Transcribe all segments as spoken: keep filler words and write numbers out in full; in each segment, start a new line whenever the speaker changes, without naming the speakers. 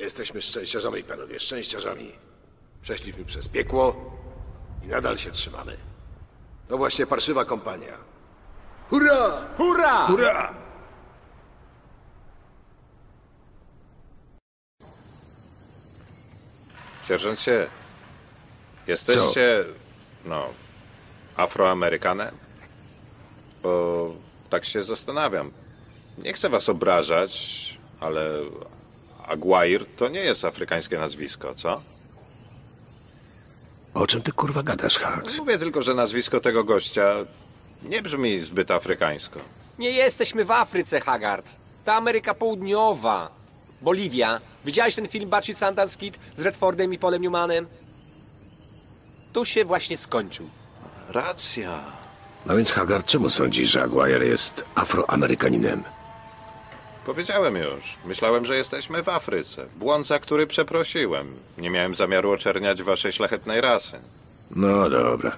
Jesteśmy szczęściarzami, panowie, szczęściarzami. Przeszliśmy przez piekło i nadal się trzymamy. To właśnie parszywa kompania. Hurra!
Hurra!
Hurra!
Sierżancie, jesteście, no, Afroamerykanem? Bo tak się zastanawiam. Nie chcę was obrażać, ale Aguirre to nie jest afrykańskie nazwisko, co?
O czym ty kurwa gadasz, Hax?
Mówię tylko, że nazwisko tego gościa nie brzmi zbyt afrykańsko.
Nie jesteśmy w Afryce, Haggard. To Ameryka Południowa. Boliwia. Widziałeś ten film Baci Sundance Kid z Redfordem i Polem Newmanem? Tu się właśnie skończył.
Racja.
No więc, Haggard, czemu sądzisz, że Aguirre jest Afroamerykaninem?
Powiedziałem już. Myślałem, że jesteśmy w Afryce. Błąd, za który przeprosiłem. Nie miałem zamiaru oczerniać waszej szlachetnej rasy.
No dobra.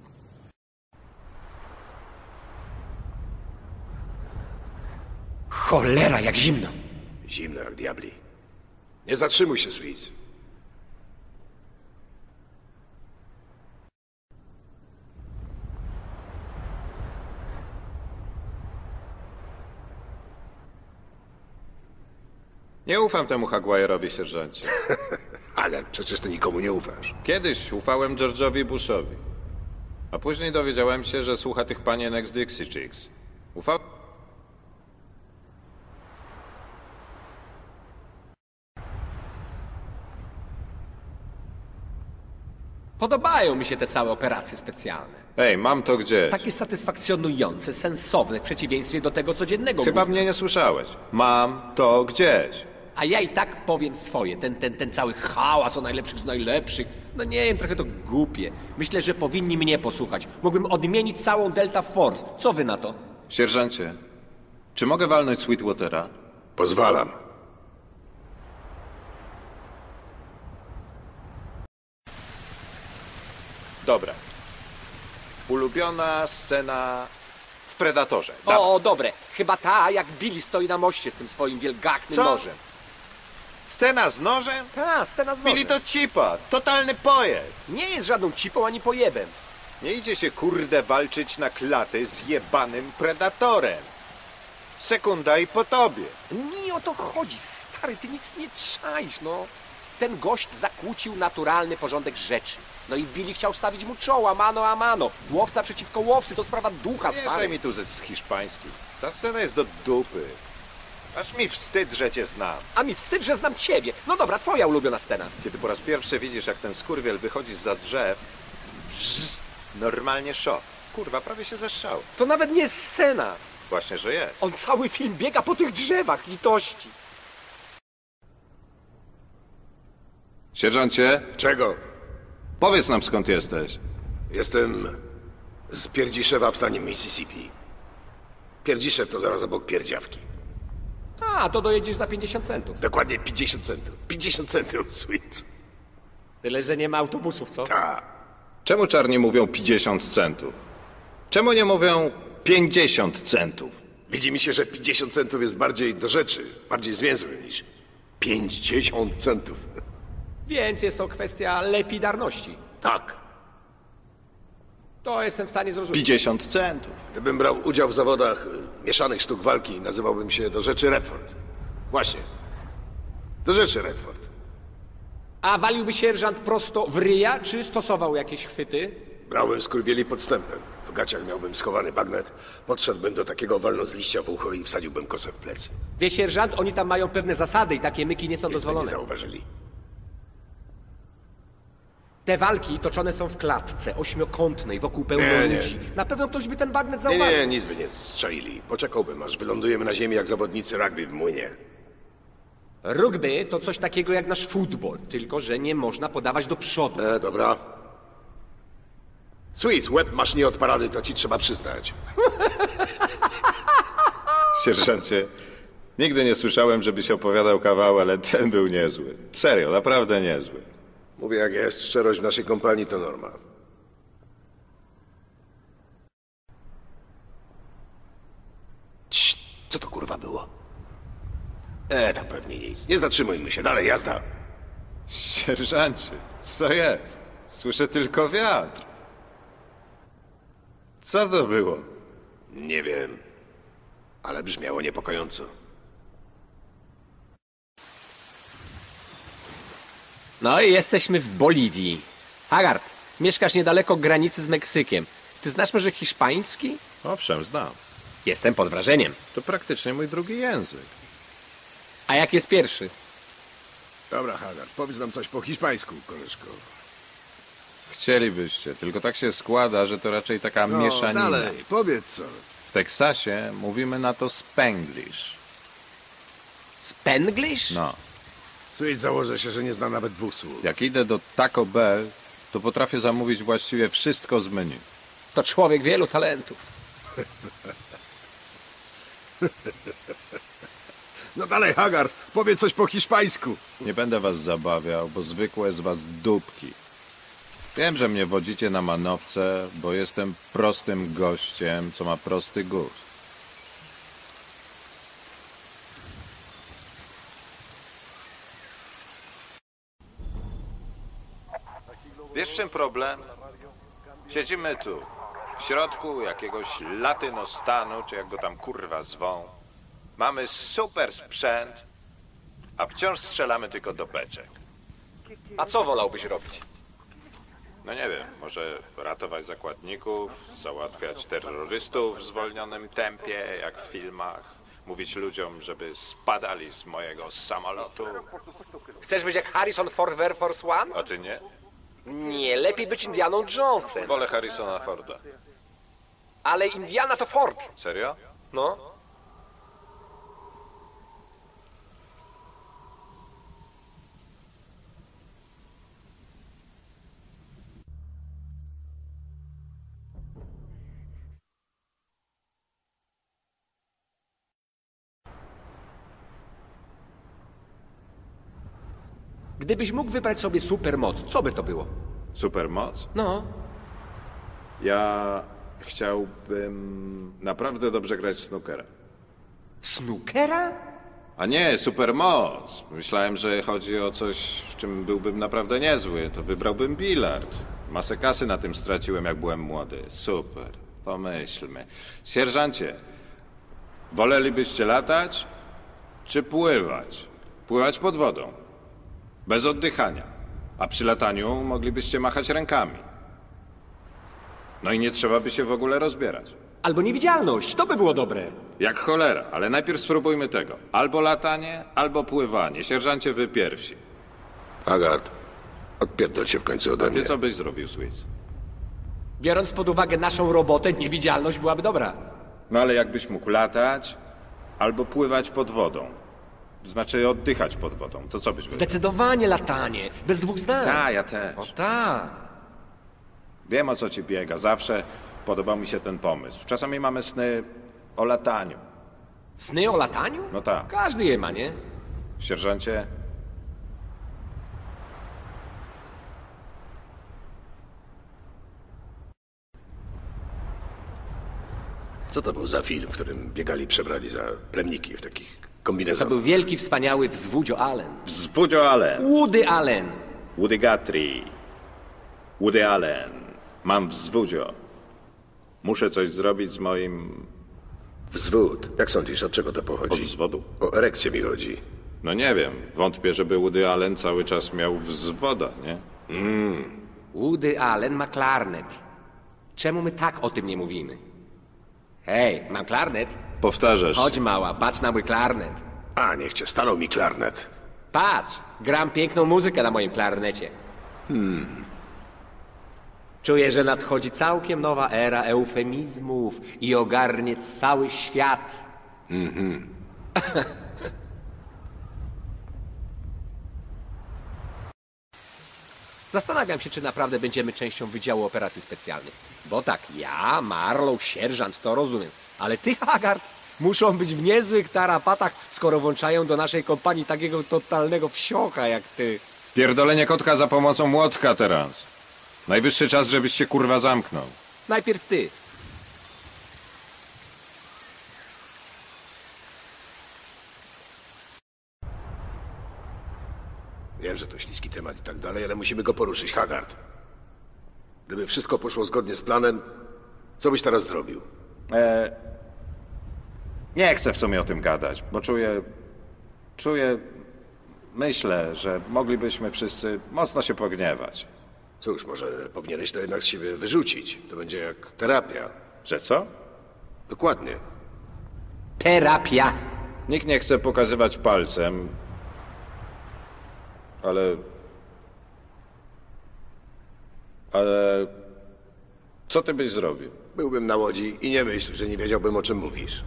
Cholera, jak zimno.
Zimno jak diabli. Nie zatrzymuj się, Sweet.
Nie ufam temu Aguirre'owi, sierżancie.
Ale przecież ty nikomu nie ufasz.
Kiedyś ufałem George'owi Bushowi. A później dowiedziałem się, że słucha tych panienek z Dixie Chicks. Ufał...
Podobają mi się te całe operacje specjalne.
Ej, mam to gdzieś.
Takie satysfakcjonujące, sensowne w przeciwieństwie do tego codziennego
Chyba
gówna.
mnie nie słyszałeś. Mam to gdzieś.
A ja i tak powiem swoje. Ten, ten, ten cały hałas o najlepszych z najlepszych. No nie wiem, trochę to głupie. Myślę, że powinni mnie posłuchać. Mógłbym odmienić całą Delta Force. Co wy na to?
Sierżancie, czy mogę walnąć Sweetwatera?
Pozwalam.
Dobra. Ulubiona scena w Predatorze. Dawaj.
O, dobre. Chyba ta, jak Billy stoi na moście z tym swoim wielgachnym
Co?
nożem.
Scena z nożem?
Ta, scena z nożem.
Billy to cipa, totalny pojeb.
Nie jest żadną cipą ani pojebem.
Nie idzie się kurde walczyć na klaty z jebanym Predatorem. Sekunda i po tobie.
Nie o to chodzi, stary, ty nic nie czaisz, no. Ten gość zakłócił naturalny porządek rzeczy. No i Billy chciał stawić mu czoła, mano a mano. Łowca przeciwko łowcy, to sprawa ducha,
Nie
stary.
daj mi tu ze z hiszpańskich. Ta scena jest do dupy. Aż mi wstyd, że cię znam.
A mi wstyd, że znam ciebie. No dobra, twoja ulubiona scena.
Kiedy po raz pierwszy widzisz, jak ten skurwiel wychodzi zza drzew, bzz, normalnie szok. Kurwa, prawie się zeszczał.
To nawet nie jest scena.
Właśnie, że jest.
On cały film biega po tych drzewach, litości.
Sierżancie,
Czego?
powiedz nam, skąd jesteś.
Jestem z Pierdziszewa w stanie Mississippi. Pierdziszew to zaraz obok Pierdziawki.
A, to dojedziesz za pięćdziesiąt centów.
Dokładnie pięćdziesiąt centów. pięćdziesiąt centów, Sweet.
Tyle, że nie ma autobusów, co?
Ta.
Czemu czarni mówią pięćdziesiąt centów? Czemu nie mówią pięćdziesiąt centów?
Widzi mi się, że pięćdziesiąt centów jest bardziej do rzeczy, bardziej zwięzły niż pięćdziesiąt centów.
Więc jest to kwestia lepidarności.
Tak.
To jestem w stanie zrozumieć.
pięćdziesiąt centów.
Gdybym brał udział w zawodach y, mieszanych sztuk walki, nazywałbym się do rzeczy Redford. Właśnie. Do rzeczy Redford.
A waliłby sierżant prosto w ryja, czy stosował jakieś chwyty?
Brałem skurwieli podstępem. W gaciach miałbym schowany bagnet. Podszedłbym do takiego walno z liścia w ucho i wsadziłbym kosę w plecy.
Wie sierżant, oni tam mają pewne zasady i takie myki nie są
Nic by
dozwolone.
nie zauważyli.
Te walki toczone są w klatce ośmiokątnej, wokół pełno
Nie, nie.
ludzi. Na pewno ktoś by ten bagnet
Nie,
zauważył.
nie, nic by nie strzelili. Poczekałbym, aż wylądujemy na ziemi jak zawodnicy rugby w młynie.
Rugby to coś takiego jak nasz futbol, tylko że nie można podawać do przodu.
E, dobra. Sweet, łeb masz nie od parady, to ci trzeba przyznać.
Sierżancie, nigdy nie słyszałem, żebyś opowiadał kawał, ale ten był niezły. Serio, naprawdę niezły.
Mówię jak jest, szczerość w naszej kompanii to norma. Cii, co to kurwa było? E, to pewnie nic. Nie zatrzymujmy się, dalej jazda.
Sierżancie, co jest? Słyszę tylko wiatr. Co to było?
Nie wiem, ale brzmiało niepokojąco.
No i jesteśmy w Boliwii. Haggard, mieszkasz niedaleko granicy z Meksykiem. Ty znasz może hiszpański?
Owszem, znam.
Jestem pod wrażeniem.
To praktycznie mój drugi język.
A jak jest pierwszy?
Dobra, Haggard, powiedz nam coś po hiszpańsku, koleżko.
Chcielibyście, tylko tak się składa, że to raczej taka
No,
mieszanina.
dalej, powiedz co.
W Teksasie mówimy na to spanglish.
Spanglish?
No,
Słuchaj, założę się, że nie zna nawet dwóch słów.
jak idę do Taco Bell, to potrafię zamówić właściwie wszystko z menu.
To człowiek wielu talentów.
No dalej, Haggard, powiedz coś po hiszpańsku.
Nie będę was zabawiał, bo zwykłe z was dupki. Wiem, że mnie wodzicie na manowce, bo jestem prostym gościem, co ma prosty gust. Wiesz, w czym problem? Siedzimy tu, w środku jakiegoś latynostanu, czy jak go tam kurwa zwą. Mamy super sprzęt, a wciąż strzelamy tylko do beczek.
A co wolałbyś robić?
No nie wiem, może ratować zakładników, załatwiać terrorystów w zwolnionym tempie, jak w filmach, mówić ludziom, żeby spadali z mojego samolotu.
Chcesz być jak Harrison Ford w Air Force One?
A ty nie?
Nie, lepiej być Indianą Jonesem.
Wolę Harrisona Forda.
Ale Indiana to Ford.
Serio?
No. Gdybyś mógł wybrać sobie supermoc, co by to było?
Supermoc?
No.
Ja chciałbym naprawdę dobrze grać w snookera.
Snookera?
A nie, supermoc. Myślałem, że chodzi o coś, w czym byłbym naprawdę niezły. To wybrałbym bilard. Masę kasy na tym straciłem, jak byłem młody. Super. Pomyślmy. Sierżancie, wolelibyście latać, czy pływać? Pływać pod wodą. Bez oddychania. A przy lataniu moglibyście machać rękami. No i nie trzeba by się w ogóle rozbierać.
Albo niewidzialność, to by było dobre.
Jak cholera, ale najpierw spróbujmy tego. Albo latanie, albo pływanie. Sierżancie, wy pierwsi.
Haggard, odpierdol się w końcu
A
ode mnie.
ty co byś zrobił, Swiss?
Biorąc pod uwagę naszą robotę, niewidzialność byłaby dobra.
No ale jakbyś mógł latać, albo pływać pod wodą. Znaczy oddychać pod wodą. To co byś wybrał?
Zdecydowanie latanie, bez dwóch zdań.
Ta, ja też.
O tak.
Wiem, o co ci biega. Zawsze podobał mi się ten pomysł. Czasami mamy sny o lataniu.
Sny o lataniu?
No tak.
Każdy je ma, nie?
Sierżancie,
Co to był za film, w którym biegali przebrani za plemniki w takich
To
kombinezonach?
był wielki, wspaniały wzwódzio Allen.
Wzwódzio Allen.
Woody Allen.
Woody Guthrie. Woody Allen. Mam wzwódzio. Muszę coś zrobić z moim...
Wzwód. Jak sądzisz, od czego to pochodzi?
Od wzwodu?
O erekcję mi chodzi.
No nie wiem. Wątpię, żeby Woody Allen cały czas miał wzwoda, nie?
Woody Allen ma klarnet. Czemu my tak o tym nie mówimy? Hej, mam klarnet?
Powtarzasz.
Chodź mała, patrz na mój klarnet.
A, niech cię stanął mi klarnet.
Patrz, gram piękną muzykę na moim klarnecie. Hmm. Czuję, że nadchodzi całkiem nowa era eufemizmów i ogarnie cały świat. Zastanawiam się, czy naprawdę będziemy częścią Wydziału Operacji Specjalnych. Bo tak, ja, Marlow, sierżant, to rozumiem. Ale ty, Haggard, muszą być w niezłych tarapatach, skoro włączają do naszej kompanii takiego totalnego wsiocha jak ty.
Pierdolenie kotka za pomocą młotka teraz. Najwyższy czas, żebyś się kurwa zamknął.
Najpierw ty.
Wiem, że to śliski temat i tak dalej, ale musimy go poruszyć, Haggard. Gdyby wszystko poszło zgodnie z planem, co byś teraz zrobił?
E... Nie chcę w sumie o tym gadać, bo czuję... Czuję... Myślę, że moglibyśmy wszyscy mocno się pogniewać.
Cóż, może powinieneś to jednak z siebie wyrzucić. To będzie jak terapia.
Że co?
Dokładnie.
Terapia.
Nikt nie chce pokazywać palcem, ale... Ale... Co ty byś zrobił?
Byłbym na łodzi i nie myśl, że nie wiedziałbym, o czym mówisz.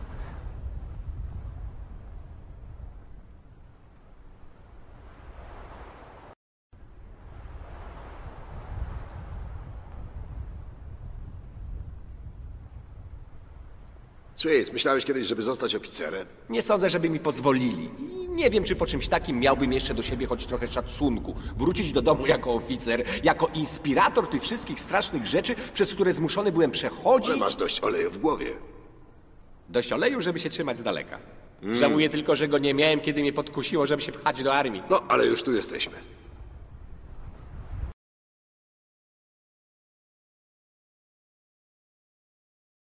Swiss, myślałeś kiedyś, żeby zostać oficerem?
Nie sądzę, żeby mi pozwolili. I nie wiem, czy po czymś takim miałbym jeszcze do siebie choć trochę szacunku. Wrócić do domu jako oficer, jako inspirator tych wszystkich strasznych rzeczy, przez które zmuszony byłem przechodzić.
Ale masz dość oleju w głowie.
Dość oleju, żeby się trzymać z daleka. Żałuję tylko, że go nie miałem, kiedy mnie podkusiło, żeby się pchać do armii.
No, ale już tu jesteśmy.